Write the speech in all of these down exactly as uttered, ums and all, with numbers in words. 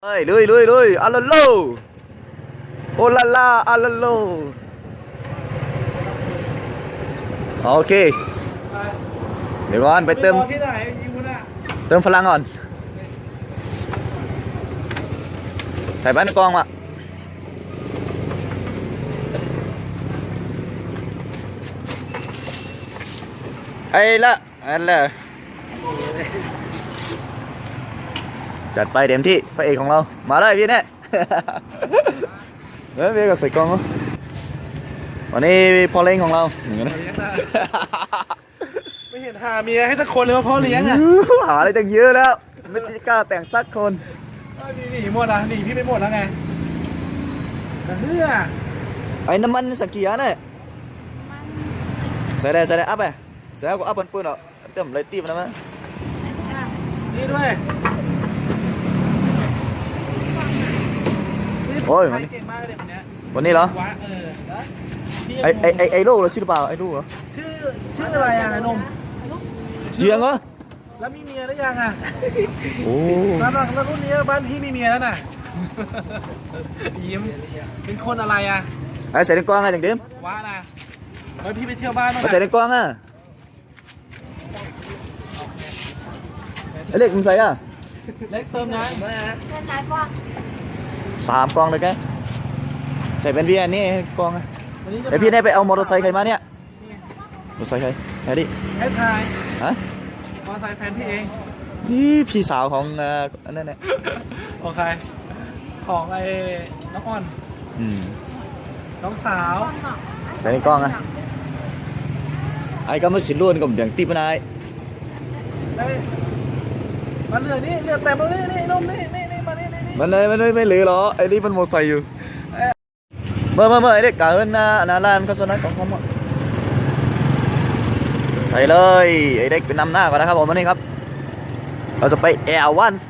เฮ้ยลุยลุยลุยอาลาโลโอลาลาอาลาโลโอเคเดี๋ยวก่อนไปเติมที่ไหนยิงน่ะเติมพลังก่อนใส่บ้านกองมาไอ้ละอันละจัดไปเต็มที่พระเอกของเรามาเลยพี่เนี่ยเฮ้ยพี่ก็ใส่กองวันนี้พ่อเลี้ยงของเราอย่างนี้นะไม่เห็นหาเมียให้สักคนเลยว่าพ่อเลี้ยงอ่ะหาอะไรตั้งเยอะแล้วไม่กล้าแต่งสักคนหนีหนีหมดอ่ะหนีพี่ไปหมดแล้วไงแต่เฮือไอ้น้ำมันสักกี่อันเนี่ยใส่ได้ใส่ได้อัพไปใส่ก็อัพบนปืนเหรอเติมเลยตีมันนะมั้ยนี่ด้วยโอ้ยวันนี้วันนี้เหรอไอไอไอไอโลเราชื่อหรือเปล่าไอลูกเหรอชื่อชื่ออะไรอ่ะนมเจียงเหรอแล้วมีเมียหรือยังอ่ะโอ้แล้วแล้วรุ่นนี้บ้านพี่มีเมียแล้วน่ะยิ้มเป็นคนอะไรอ่ะไอใส่ในกล้องไงอย่างเดิมว้านะแล้วพี่ไปเที่ยวบ้านมาใส่ในกล้องอ่ะไอเล็กมึงใส่อ่ะเล็กเติมนะเติมไหนกล้องสามกล้องเลยแกใส่เป็นพี่อันนี้กล้องอ่ะไอพี่ได้ไปเอามอเตอร์ไซค์ใครมาเนี่ยมอเตอร์ไซค์ใครใครดิไอ้พายฮะมอเตอร์ไซค์แฟนพี่เองนี่พี่สาวของอันนั้นเนี่ยของใครของไอ้น้องอ่อนอืมน้องสาวใส่ในกล้องอ่ะไอ้ก็มาสิล้วนกับเดี๋ยวตีปนายมาเรือนี่เรือแต่มานี่นี่นมนี่นี่นี่มานี่นี่มันเลยมันเลยไม่เหลือหรอไอ้นี่มันโมไซอยู่เมื่อเมื่อเมื่อไอ้เด็กกาเอินนะนาลานก็สนับของเขาหมดใส่เลยไอ้เด็กเป็นนำหน้าก่อนนะครับผมวันนี้ครับเราจะไปแอลว่านไซ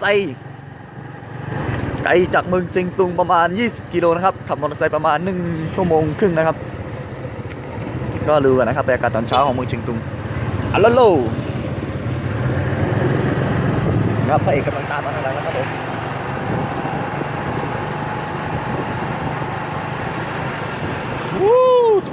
ไกลจากเมืองเชียงตุงประมาณยี่สิบกิโลนะครับขับมอเตอร์ไซค์ประมาณหนึ่งชั่วโมงครึ่งนะครับก็รู้กันนะครับบรรยากาศตอนเช้าของเมืองเชียงตุงอัลโลโลครับพระเอกกำลังตามมาแล้วนะครับผมวู้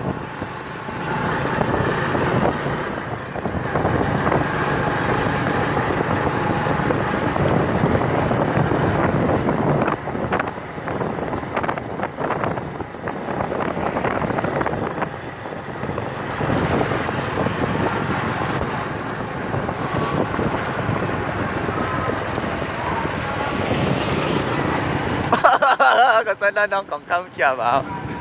ก็ใส่น้องของเขาเกี่ยวเปล่า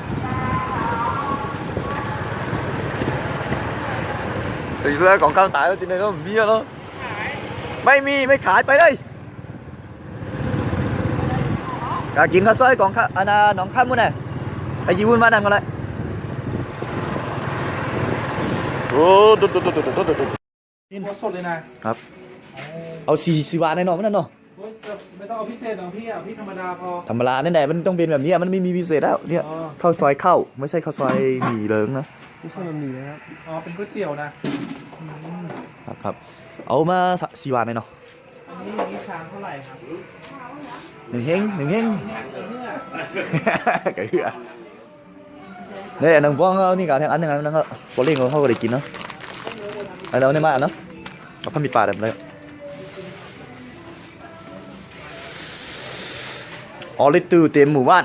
ตีเสื้อของเขาตายแล้วทีนี้เนาะมีเหรอไม่มีไม่ขายไปเลยอยากกินข้าวซอยของข้าอันน่ะน้องข้ามมุ่นไงไอ้ยีวุ่นมานั่งกันเลยโอ้ตุ๊ดตุ๊ดตุ๊ดตุ๊ดตุ๊ดกินสดเลยนะครับเอาสี่สี่บาทในหน่อยมันนั่นเนาะไม่ต้องเอาพิเศษหรอกพี่อ่ะพี่ธรรมดาพอธรรมดาแน่ๆมันต้องเป็นแบบนี้มันไม่มีพิเศษแล้วเนี่ยข้าวซอยข้าวไม่ใช่ข้าวซอยหมี่เลิงนะไม่ใช่มันหมี่นะครับอ๋อเป็นก๋วยเตี๋ยวนะครับครับเอามาสี่บาทเลยเนาะอันนี้นี่ชามเท่าไหร่ครับหนึ่งเฮงหนึ่งเฮงไก่เหี้ยเนี่ยหนึ่งพวงเอานี่ก่อนแทงอันหนึ่งอันนั้นก็พอเลี้ยงเขาก็ได้กินเนาะไอ้เราเนี่ยมาเนาะกับพันมีปลาแบบนี้ออริตูเต็มหมู่บ้าน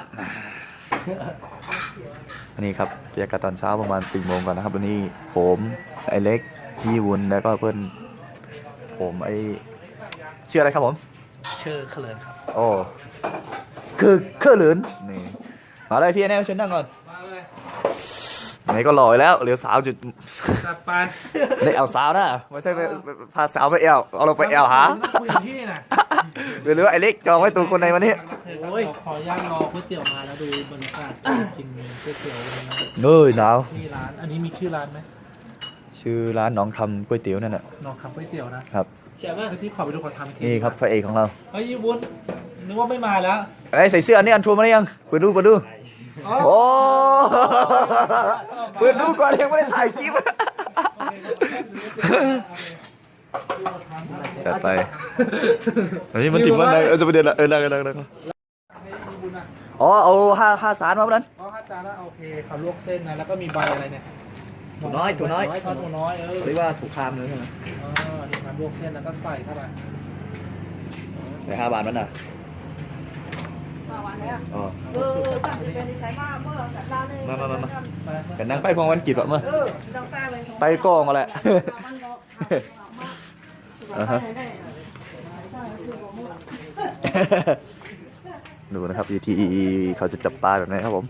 อันนี้ครับบรรยากาศตอนเช้าประมาณสี่โมงก่อนนะครับวันนี้ผมไอเล็กพี่วุ้นแล้วก็เพื่อนผมไอชื่ออะไรครับผมชื่อเขลินครับโอ้คือเครือเหลินนี่มาเลยพี่แน่เชิญนั่งก่อนมาเลยไหนก็หล่อแล้วเหลือสาวจุดจัดไปได้เอาสาวนะไม่ใช่ไปพาสาวไปแอลเอาเราไปแอลหาคุยที่น่ะหรือไอเล็กจองไว้ตัวคนในวันนี้โอ้ยขอย่างรอก๋วยเตี๋ยวมาแล้วดูบรรยากาศกินก๋วยเตี๋ยวเฮ้ยหนาวมีร้านอันนี้มีชื่อร้านไหมชื่อร้านหนองคำก๋วยเตี๋ยวนั่นแหละหนองคำก๋วยเตี๋ยวนะครับเชื่อไหมพี่ขอไปดูขอทำทีนี่ครับพระเอกของเราเฮ้ยยี่บุญนึกว่าไม่มาแล้วไอ้ใส่เสื้ออันนี้อันทัวร์มาหรือยังเปิดดูเปิดดูโอ้เปิดดูก่อนยังไม่ได้ถ่ายคลิปจัดไปอันนี้มันติดวันไหนเออจะไปเดินละเออได้ได้ได้อ๋อเอาห้าห้าจานมาแล้วอ๋อห้าจานแล้วโอเคเขาลวกเส้นนะแล้วก็มีใบอะไรเนี่ยถั่วน้อยถั่วน้อยทอดถั่วน้อยเออเรียกว่าถูกคามเลยใช่ไหมอ๋อนี่ครับลวกเส้นแล้วก็ใส่เข้าไปในห้าบาทมันน่ะมาวันแล้วอ๋อเออตั้งจะเป็นใช้มากเมื่อสัปดาห์นึงมามามามามากันนั่งไปพองวันกิจวะมั้งเออต้องการเลยไปกองมาแหละอ่าฮะดูนะครับวิธีเขาจะจับปลาแบบไหนครับผม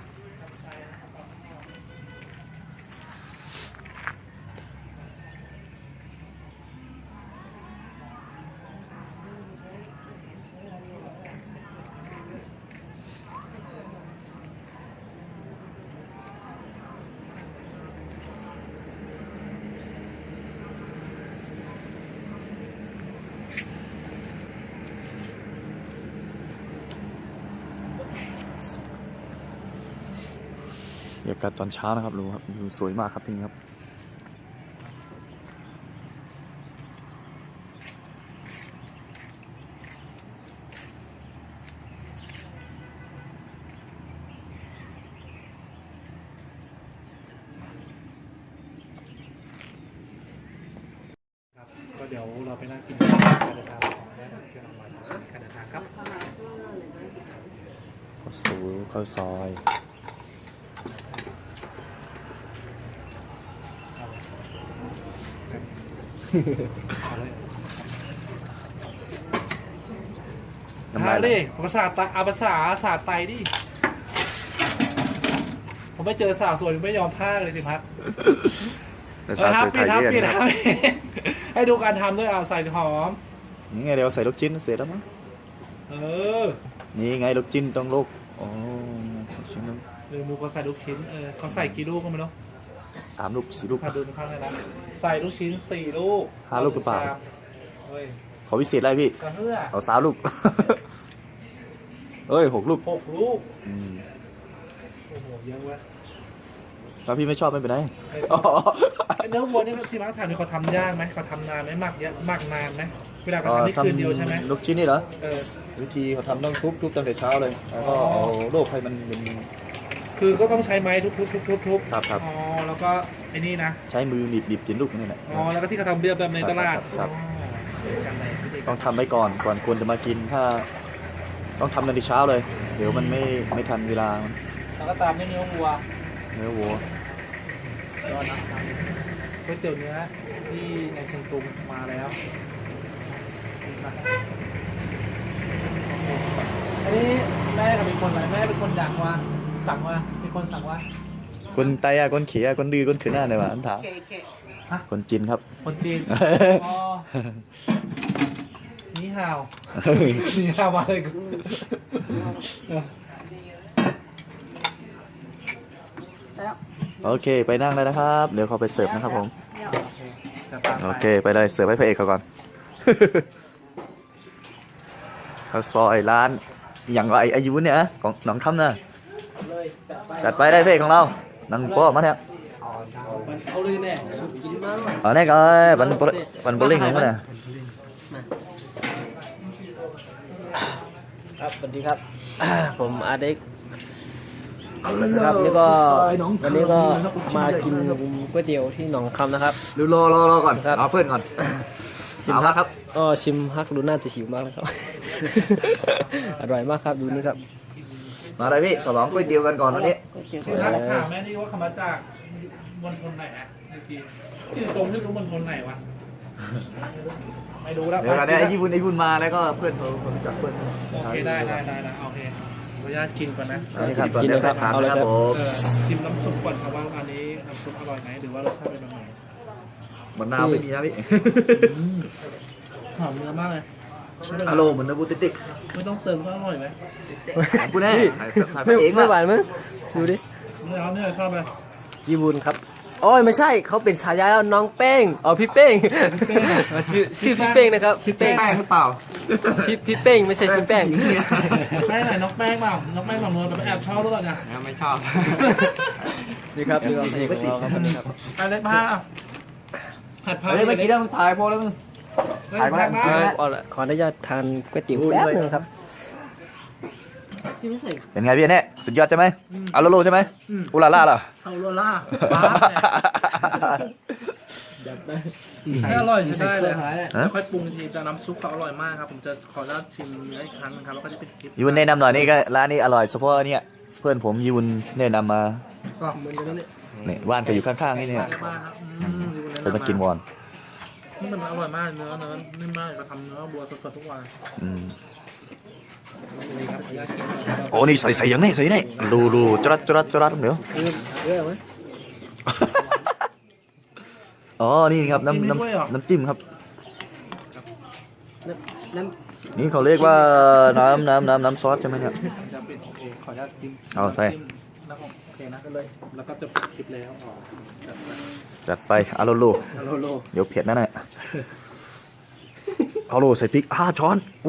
บรรยากาศตอนเช้านะครับดูครับวิวสวยมากครับที่นี่ครับครับก็เดี๋ยวเราไปนั่งกินการเดินทางของได้เที่ยวออนไลน์การเดินทางครับข้าวสูข้าวซอยน้ำฮาลายไหลดิภาษาตาอาภาษาศาสตร์ไตดิผมไม่เจอสาวสวยไม่ยอมพากเลยสิพัดภาษาครับสวยไทพี่ยครับเย็นพี่นะนะครับให้ดูการทำด้วยเอาใส่หอมนี่ไงเดี๋ยวใส่ลูกชิ้นเสร็จแล้วมั้งเออนี่ไงลูกชิ้นต้องลูกอ๋อลูกชิ้นต้องหรือมูก็ใส่ลูกชิ้นเออเขาใส่กี่ลูกก็ไม่รู้สามลูกสี่ลูกพาดูข้างในนะใส่ลูกชิ้นสี่ลูกห้าลูกหรือเปล่าเฮ้ยขอพิเศษอะไรพี่กระเพื่อเอาสามลูก เอ้ยหกลูกหกลูกอืมโอ้โหเยอะเว้ยถ้าพี่ไม่ชอบไม่เป็นไรไอ้เนื้อวัวนี่ที่ร้านทำนี่เขาทำยากไหมเขาทำนานไหมหมักเยอะหมักนานไหมเวลาเขาทำนี่คืนเดียวใช่ไหมลูกชิ้นนี่เหรอเออวิธีเขาทำต้องทุบทุบตั้งแต่เช้าเลย แล้วก็เอาโลกให้มันเป็นคือก็ต้องใช้ไม้ทุบทุบทุบทุบทุบครับครับอ๋อแล้วก็ไอ้นี่นะใช้มือบีบบีบกินลูกนี่แหละอ๋อแล้วก็ที่เขาทำเบียร์แบบในตลาดครับอ๋อจำได้ที่เด็กต้องทำไว้ก่อนก่อนควรจะมากินถ้า ต้องทำตั้งแต่เช้าเลย เดี๋ยวมันไม่ไม่ทันเวลามันแล้วก็ตามด้วยเนื้อวัวเนื้อวัวยอดนะก๋วยเตี๋ยวเนื้อที่ในเชียงตุงมาแล้วอันนี้แม่กับเป็นคนอะไรแม่เป็นคนดังว่าสั่งว่าเป็นคนสั่งว่าคนไตอะคนเขียคนดื้อคนขืนหน้าเลยว่ะอันถามเคเคฮะคนจีนครับคนจีนอ๋อนี่ฮาวนี่ฮาวมาเลยแล้วโอเค ไปนั่งเลยนะครับ เดี๋ยวเขาไปเสิร์ฟนะครับผมเนี่ยจะตามโอไปเค ไปเลยเสิร์ฟให้พระเอกเขาก่อน ข้าวซอยร้านอย่างไรอายุเนี่ยของหนองคำนะเลยจัดไปจัดไปได้พระเอกของเรานังโป้มาเนี่ยเอาเลยแน่สุดกินมากเลยอ๋อนี่ก็บันโปบันโปลิงนี่มั้งเนี่ยครับสวัสดีครับ ผมอาเด็กครับนี่ก็วันนี้ก็มากินก๋วยเตี๋ยวที่หนองคำนะครับดูรอรอรอก่อนครับเอาเพื่อนก่อนชิมเอาฮัละกครับก็ชิมฮักดูน่าจะหิวมากเลยครับ อร่อยมากครับดูนี่ครับมาเลยพี่สลองก๋วยเตี๋ยวกันก่อนวันนี้คุณนักข่าวแม่นี่ว่าคำมาจากมณฑลไหนนะจริงๆชื่อตรงที่รู้มณฑลไหนวะไม่รู้แล้วเดี๋ยวกันเนี่ยไอ้ยี่บุญไอ้บุญมาแล้วก็เพื่อนเขาคนรู้จักเพื่อนโอเคได้ได้ได้ได้โอเคขออนุญาตกินก่อนนะนี่ครับกินเลยครับเอาเลยครับผมเออชิมน้ำซุปก่อนครับว่าอันนี้น้ำซุปอร่อยไหมหรือว่ารสชาติเป็นยังไงมะนาวไม่มีนะพี่หอมเนื้อมากเลยใช่ไหมฮัลโหลเหมือนนะบูติติกไม่ต้องเติมก็อร่อยไหมกูแน่ถ่ายถ่ายพไม่ระเอกไม่หว่ะวานมั้ยดูดิเนื้อเนื้อชอบไหมยีบุญครับโอ้ยไม่ใช่เขาเป็นฉายาแล้วน้องแป้งอ๋อพี่เป้งชื่อชื่อพี่เป้งนะครับพี่เป้งแป้งหรือเปล่าพี่พี่เป้งไม่ใช่พี่แป้งหญิเนี่ยแป้งไหนน้องแป้งเปล่าน้องแป้งของนวลแต่ไม่แอบชอบหรือเปล่าเนี่ยไม่ชอบนี่ครับนี่ก็เพลงของเราครับวันนี้ครับอะไรผ้าผัดผักเฮ้ยไม่กินแล้วมึงถ่ายพอแล้วมึง ถ่ายมาแล้วผัดเอาละขออนุญาตทานก๋วยเตี๋ยวแป๊บนึงครับพี่ไม่ใส่เป็นไงพี่เนี่ยสุดยอดใช่ไหมอาโลโลใช่ไหมอุลาล่าเหรอเอาโรล่าบ้าเนี่ยอร่อยใช่ได้เลยแล้วค่อยปรุงทีแต่น้ำซุปเขาอร่อยมากครับผมจะขออนุญาตชิมเนื้ออีกครั้งนึงครับแล้วก็จะเป็นคลิปยูนแนะนำหน่อยนี่ก็ร้านนี้อร่อยเฉพาะเนี่ยเพื่อนผมยูนแนะนำมาก็เหมือนกันนั่นแหละเนี่ยบ้านก็อยู่ข้างๆนี่เนี่ยได้บ้างครับอืมดูแนะนำเป็นมากินวอนนี่มันอร่อยมากเนื้อเนื้อนิ่มมากเราทำเนื้อบัวสดๆทุกวันอืมนี่ครับขออนุญาตชิมโอ้นี่ใส่ใส่อย่างนี้ใส่นี่ดูดูจรัดจรัดจรัดเดี๋ยวเออเออไหมอ๋อนี่ครับน้ำน้ำน้ำจิ้มครับน้นี่เขาเรียกว่าน้ำน้ำน้ำน้ำซอสใช่ไหมเนี่ยจะเป็นโอเคขออนุญาตชิมเอาใส่แล้วก็โอเคนะก็เลยแล้วก็จะปิดคลิปแล้วอ๋อจัดไปจัดไปอาโลโลฮัลโหลโลเดี๋ยวเผ็ดนั่นแหละอาโลใส่พริกห้าช้อนอู้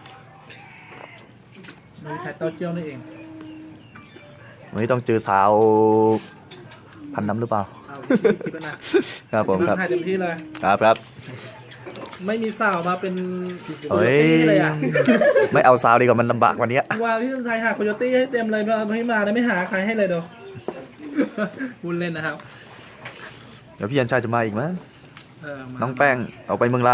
มีไข่เต้าเจี้ยวนี่เองวันนี้ต้องเจอสาวพันน้ำหรือเปล่าเอาคลิปแล้วนะครับผมครับถ่ายเต็มที่เลยครับครับไม่มีสาวมาเป็นโคเฮ้โยยตี้เลยอ่ะไม่เอาสาวดีกว่ามันลำบากกว่านี้ว่าพี่ชายหาโคโยตี้ให้เต็มเลยไม่มาแล้วไม่หาใครให้เลยเดี๋ยวพูดเล่นนะครับเดี๋ยวพี่ยันชายจะมาอีกมั้ยเออมาน้องแป้งเอาไปเมืองลา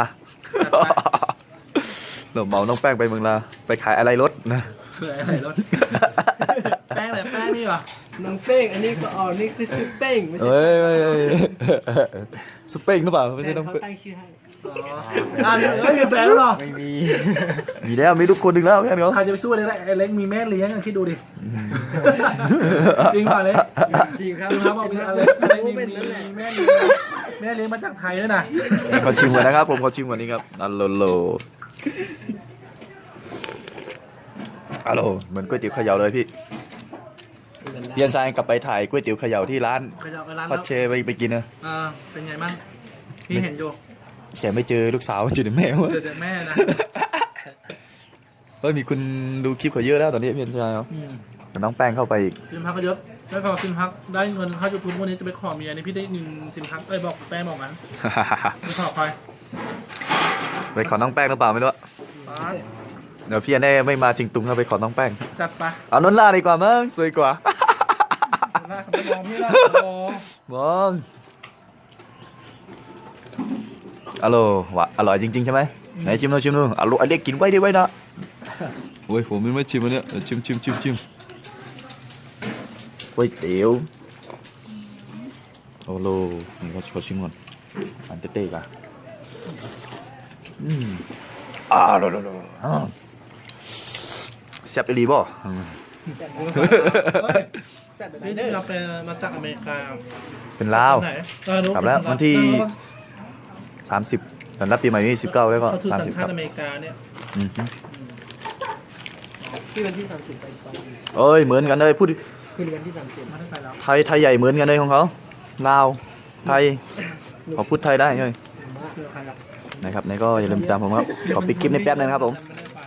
เราเหมาน้องแป้งไปเมืองลาไปขายอะไรรถนะเผื่ออะไรรถแป้งอะไรแป้งนี่วะำน้องเป้งอันนี้ก็อ๋อนี่คือซุปเป้งไม่ใช่เฮ้ยเฮ้ยเฮ้ยสเปงหรือเปล่าไม่ใช่น้องเขาเป้งตั้งชื่อให้อ๋ออ่านเอ้ยมีแฟนแล้วเหรอไม่มีมีแล้วมีทุกคนหนึ่งแล้วแค่นี้ใครจะไปสู้อะไรได้ไอ้เล็กมีแม่เลี้ยงอ่ะคิดดูดิจริงเปล่าเล็กจริงครับดูครับบอกมีอะไรอะไรมีเป็นมีนั่นแหละแม่เลี้ยงแม่เลี้ยงมาจากไทยด้วยนะขอชิมก่อนนะครับผมขอชิมก่อนนี้ครับอัลโลโลอัลโลเหมือนก๋วยเตี๋ยวเขย่าเลยพี่พี่ยันชายกลับไปถ่ายก๋วยเตี๋ยวเขย่าที่ร้านขยับไปร้านพัแล้ดวเชไปไปกินนะอ่าเป็นไงบ้างพี่เห็นอยู่แกไม่เจอลูกสาวมันอยู่ในแม่วะเจอแต่แม่นะเฮ้ยมีคุณดูคลิปเขาเยอะแล้วตอนนี้พี่ยันชายครับอืมแต่น้องแป้งเข้าไปอีกซิมพักก็เยอะแล้วพอซิมพักได้เงินเข้ายูทูบวันนี้จะไปขอเมียนี่พี่ได้เงินซิมพักเอ้ยบอกแป้งบอกงั้นไปขอใครไปขอน้องแป้งหรือเปล่าไม่รู้อะป๊าดเดี๋ยวพี่ยันได้ไม่มาจริงตุงเราไปขอน้องแป้งจัดไปเอานนล่าดีกว่ามั้งสวยกว่าหน้าเขาไม่มองพี่ละโอ้มองอร่อยวะอร่อยจริงๆใช่ไหมไหนชิมดูชิมดูอร่อยไอเด็กกินไว้ดิไว้นะโอ้ยผมไม่ชิมอันเนี้ยเดี๋ยวชิมชิมชิมชิมก๋วยเตี๋ยวโอ้โหนี่เขาเขาชิมก่อนอันเต้ๆกันอืมอ่าโดโดโดอ่าแซ่บอีหลีบ่อืมแซ่บแบบพี่นี้เราไปมาจากอเมริกาเป็นลาวไหนเออรู้กลับแล้ววันที่ สามสิบตอนรับปีใหม่นี่สิบเก้าแล้วก็เขาถือสามสัญสิบชาครัติบอเมริกาเนี่ยอืมฮึที่วันที่สามสิบไปตอนเอ้ยเหมือนกันเลยพูดคืนวันที่สามสิบมาได้ไปแล้วไทยไทยใหญ่เหมือนกันเลยของเขาลาวไทยเขาพูดไทยได้เลยคือใครครับนะครับนี่ก็อย่าลืมติดตามผมครับขอปิดคลิปในแป๊บนึงนะครับผมไม่ได้ไป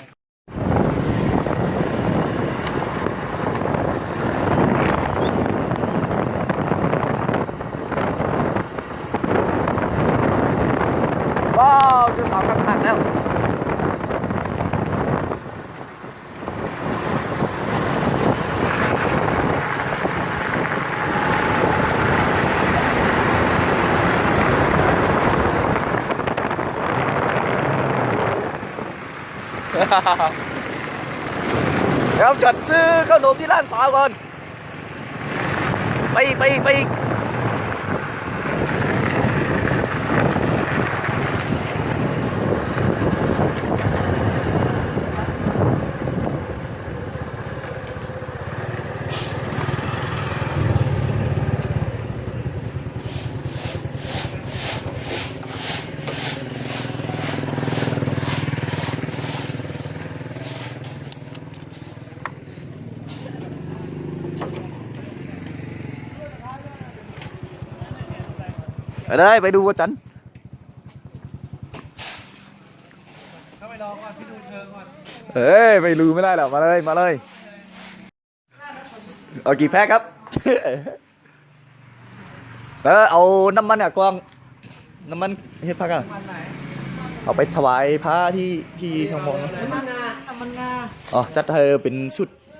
ว้าวเจอสาวข้างๆแล้วเดี๋ยวจัดซื้อขนมที่ร้านสาวก่อนไปอีกไปอีกไปอีกไปเลยไปดูวัวจันทร์เข้าไปรอก่อนพี่ดูเชิงก่อนเอ้ยไม่รู้ไม่ได้หรอกมาเลยมาเลยเอากี่แพ็คครับ เออเอาน้ำมันอะกวางน้ำมันเฮ็ดพักอะวันไหนเอาไปถวายพระที่ที่ทองมองมันงาทำมันงาอ๋อจัดให้เป็นชุด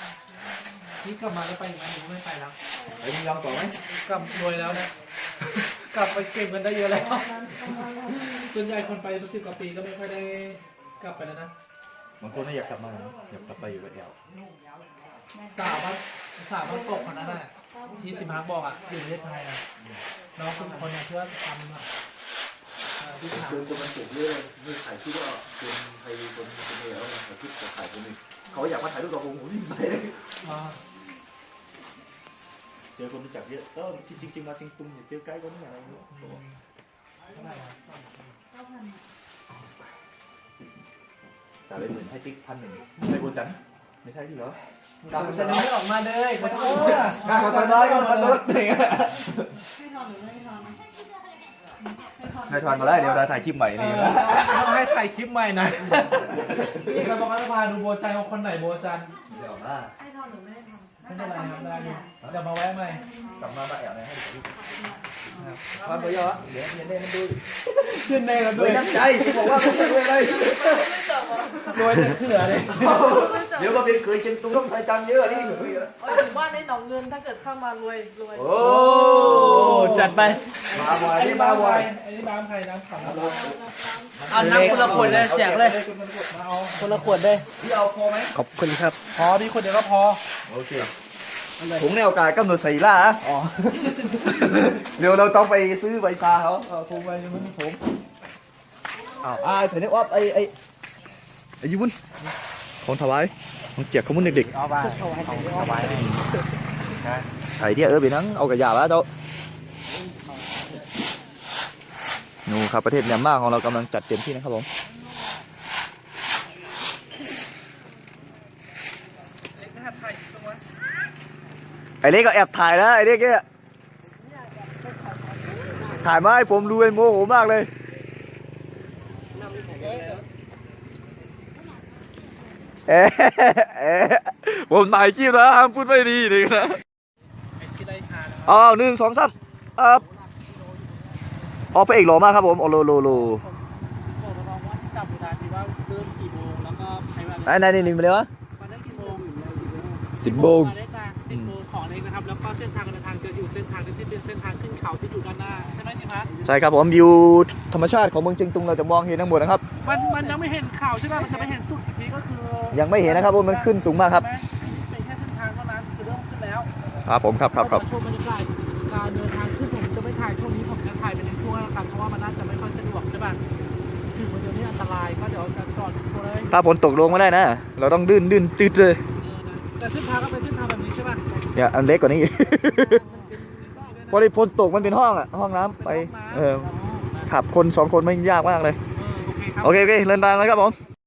นี่กลับมาแล้วไปอีกไหมหรือไม่ไปแล้วไอ้มึงยอมต่อไหมกลับรวยแล้วนะ กลับไปเก็บเงินได้เยอะแล้วส่วนใหญ่คนไปสิบกว่าปีก็ไม่ค่อยได้กลับไปแล้วนะบางคนน่ะอยากกลับมาอยากกลับไปอยู่กับแอลสาวบ้านสาวบ้านตกคนนั้นน่ะที่สิมฮักบอกอ่ะอยู่ประเทศไทยอ่ะน้องคนคนนั้นที่ว่าทำอ่ะเอ่อที่ถามคือจะมันเก็บเรื่องนี่ถ่ายที่ว่าคนไทยคนคนเดียวแต่ที่จะถ่ายคนนึงเขาอยากมาถ่ายรูปกับผมผมวิ่งไปเลยอ่าเจอคนรู้จักเยอะก็จริงจริงมาจริงตุงอย่าเจอใกล้คนนี้อะไรเงี้ยเท่าไหร่อะแต่เป็นหมื่นให้ติ๊กพันหนึ่งไม่ใช่โบจันไม่ใช่ที่เหรอกลับไปเซ็นไม่ออกมาเลยขอโทษการโฆษณาก็มันลดเนี่ยให้ทอนหรือไม่ให้ทอนให้ทอนให้ทอนมาแล้วเดี๋ยวเราถ่ายคลิปใหม่นี่นะต้องให้ถ่ายคลิปใหม่นะนี่เราบอกว่าจะพาดูโบจันว่าคนไหนโบจันเดี๋ยวมาให้ทอนหรือไม่ให้ทอนไม่เป็นไรครับได้อยู่เดี๋ยวมาแวะใหม่กลับมาบ้าแอลเนี่ยให้ดูความประโยชน์เดี๋ยวเย็นเน่มันดูขึ้นในกันโดด้วย ยน้ำใจที่บอกว่าไม่ใช่เลยรวยจะเขื่อเลยเดี๋ยวก็เป็นเคยเชียงตุงต้องไทยจันเยอะนี่โอ้ยอยู่บ้านในหนองเงินถ้าเกิดเข้ามารวยรวยโอ้จัดไปมาบ่อยอันนี่นี้มาบ้านบ่ใคอรยอันนี้บ้านใครน้ำขังมาเอาน้ำคนละขวดเลยแจกเลยเอาคนละขวดเลยพี่เอาพอไหมขอบคุณครับพอพี่คนเดียวก็พอโอเคถุงในโอกาสกำหนดใส่ล่าอ๋อเดี๋ยวเราต้องไปซื้อใบซาเขาเอาถุงไปยังไม่มีผมอ้าวอ่าใส่ในอ้อมไอ้ไอ้ไอ้ยุ้นของถวายของเจียกของมุนเด็กเอาไปเอาไปๆใส่เที่ยเออไปนั่งเอากระยาแล้วเจ้านูครับประเทศเมียนมาของเรากำลังจัดเต็มที่นะครับผมไอ้เล็กก็แอบถ่ายแล้วไอ้เล็กเนี่ยถ่ายมาให้ผมดูเป็นโมโหมากเลยเอ๊ะเอ๊ะผมถ่ายคลิปแล้วห้ามพูดไม่ดีเลยนะที่ได้ชาแล้วอ้าวหนึ่งสองสามอ่าออกพระเอกหล่อมากครับผมโอโลโลโลบอกน้องว่าที่จับเวลาที่ว่าเริ่มกี่โมงแล้วก็ใช้เวลาไหนไหนนี่มาเลยวะมาได้กี่โมงสิบโมงมาได้จ้าสิบโมงของเองนะครับแล้วก็เส้นทางการเดินทางจะอยู่เส้นทางที่เป็นเส้นทางขึ้นเขาที่อยู่ด้านหน้าใช่ไหมจิพัฒน์ใช่ครับผมวิวธรรมชาติของเมืองเชียงตุงเราจะมองเห็นทั้งหมดนะครับมันมันยังไม่เห็นเขาใช่ไหมมันจะไม่เห็นสุดอีกทีก็คือยังไม่เห็นนะครับผมมันขึ้นสูงมากครับเป็นแค่เส้นทางเท่านั้นคือเริ่มขึ้นแล้วครับผมครับครับครับชมบรรยากาศการเดินทางขึ้นผมจะไม่ถ่ายช่วงนี้ผมจะถ่ายเป็นในช่วงนะครับเพราะว่ามันน่าจะไม่ค่อยสะดวกใช่ป่ะถึงวันเดียวนี้อันตรายก็เดี๋ยวจะจอดตัวเลยถ้าฝนตกลงไม่ได้นะ เราต้องดื้นดื้นตืดเลยแต่เส้นทางก็เป็นเส้นทางแบบนี้ใช่ป่ะเนี่ยอันเล็กกว่านี้ พอดีฝนตกมันเป็นห้องอ่ะห้องน้ำไปเออขับคนสองคนไม่ยากมากเลยโอเคครับโอเคโอเคเดินทางแล้วครับผม